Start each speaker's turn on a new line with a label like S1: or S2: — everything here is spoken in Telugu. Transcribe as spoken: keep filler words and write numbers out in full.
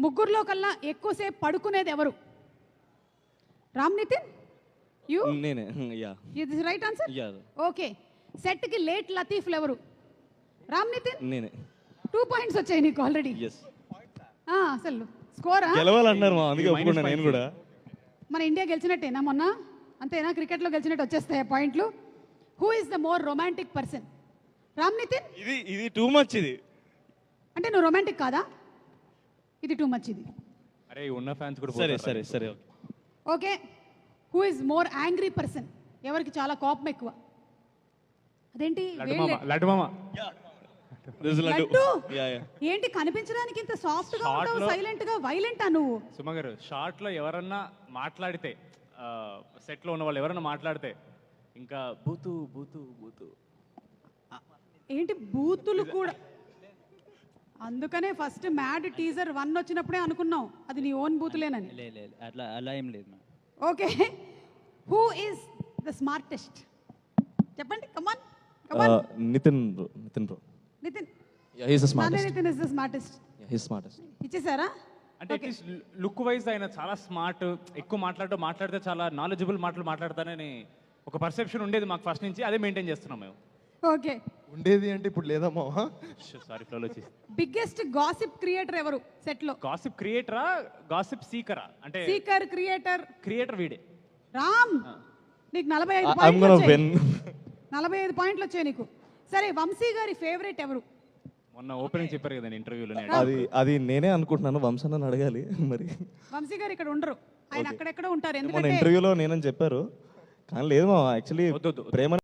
S1: ముగ్గురులో కల్లా ఎక్కువసేపు పడుకునేది ఎవరు? రామ్ నితిన్, యూ?
S2: నేనే. యా.
S1: ఇది right answer.
S2: Yeah.
S1: Okay. Set కి లేట్ లతీఫ్లు ఎవరు? రామ్ నితిన్.
S2: నేనే.
S1: టూ పాయింట్స్ వచ్చాయి నీకు ఆల్రెడీ.
S2: ఎస్.
S1: అసలు స్కోరా
S2: గెలవాలన్నారు మా, అందుకే ఒప్పుకున్నా నేను కూడా.
S1: మన ఇండియా గెలిచినట్టేనా మొన్న? అంతేనా? క్రికెట్లో గెలిచినట్టు వచ్చేస్తాయి పాయింట్లు. Who is the more romantic person? Ram Nithin.
S2: ఇది ఇది టూ మచ్. ఇది
S1: అంటే నువ్వు రొమాంటిక్ కాదా? ఇది టూ మచ్. ఇది
S3: అరే ఉన్న ఫ్యాన్స్ కూడా
S2: సరే సరే సరే
S1: okay. Who is more angry person? ఎవరికి చాలా కోపం ఎక్కువ? అదేంటి
S3: లడ్డు మామ.
S1: లడ్డు? ఏంటి కనిపించడానికి ఇంత సాఫ్ట్ గా ఉంటావు, సైలెంట్ గా వైలెంటా నువ్వు?
S3: సుమ గారు, షార్ట్ లో ఎవరన్నా మాట్లాడితే, సెట్ లో ఉన్న వాళ్ళు ఎవరన్నా మాట్లాడితే ఇంకా బూతు బూతు బూతు.
S1: ఏంటి బూతులు కూడా? అందుకనే ఫస్ట్ మ్యాడ్ టీజర్ వన్ వచ్చినప్పుడే అనుకున్నాం అది నీ ఓన్ బూతులేనని.
S4: అట్లా అలా ఏం లేదు.
S1: Okay. Who is the smartest? చెప్పండి. Come on come on.
S2: Nithin bro. Nithin bro.
S1: Nithin.
S2: Yeah, he is the smartest.
S1: Nithin is the smartest.
S2: Yeah, he is smartest.
S1: ఇచ్చేసారా?
S3: అంటే అట్లీస్ట్ లుక్ వైజ్ ఆయన చాలా స్మార్ట్, ఎక్కువ మాట్లాడుతూ మాట్లాడితే చాలా నాలెడ్జబుల్ మాటలు మాట్లాడతానని ఒక పర్సెప్షన్ ఉండేది మాకు ఫస్ట్ నుంచి. అదే మెయింటైన్ చేస్తున్నాం మేము.
S1: ఓకే.
S5: ఉండేది అంటే ఇప్పుడు లేదమ్మా.
S3: సారీ ఫ్లోలో వచ్చేసి.
S1: బిగ్గెస్ట్ గాసిప్ క్రియేటర్ ఎవరు సెట్ లో?
S3: గాసిప్ క్రియేటరా గాసిప్ సీకరా? అంటే
S1: సీకర్ క్రియేటర్.
S3: క్రియేటర్ వీడే.
S1: రామ్, నీకు నలభై ఐదు
S2: I'm
S1: పాయింట్లు
S2: gonna
S1: వచ్చాయి.
S2: win.
S1: నలభై ఐదు పాయింట్లు వచ్చాయి నీకు. సరే, వంశీ గారి ఫేవరెట్ ఎవరు?
S3: మొన్న ఓపెనింగ్ చెప్పారు కదా ఇంటర్వ్యూలో.
S2: అది అది నేనే అనుకుంటున్నాను. వంశన్న అడగాలి మరి.
S1: వంశీ గారు ఇక్కడ ఉండరు, ఆయన అక్కడెక్కడ ఉంటారు.
S2: మన
S1: ఎందుకంటే
S2: ఇంటర్వ్యూలో నేనని చెప్పారు, కానీ లేదు మా యాక్చువల్లీ
S3: వద్దు, వద్దు.
S2: ప్రేమ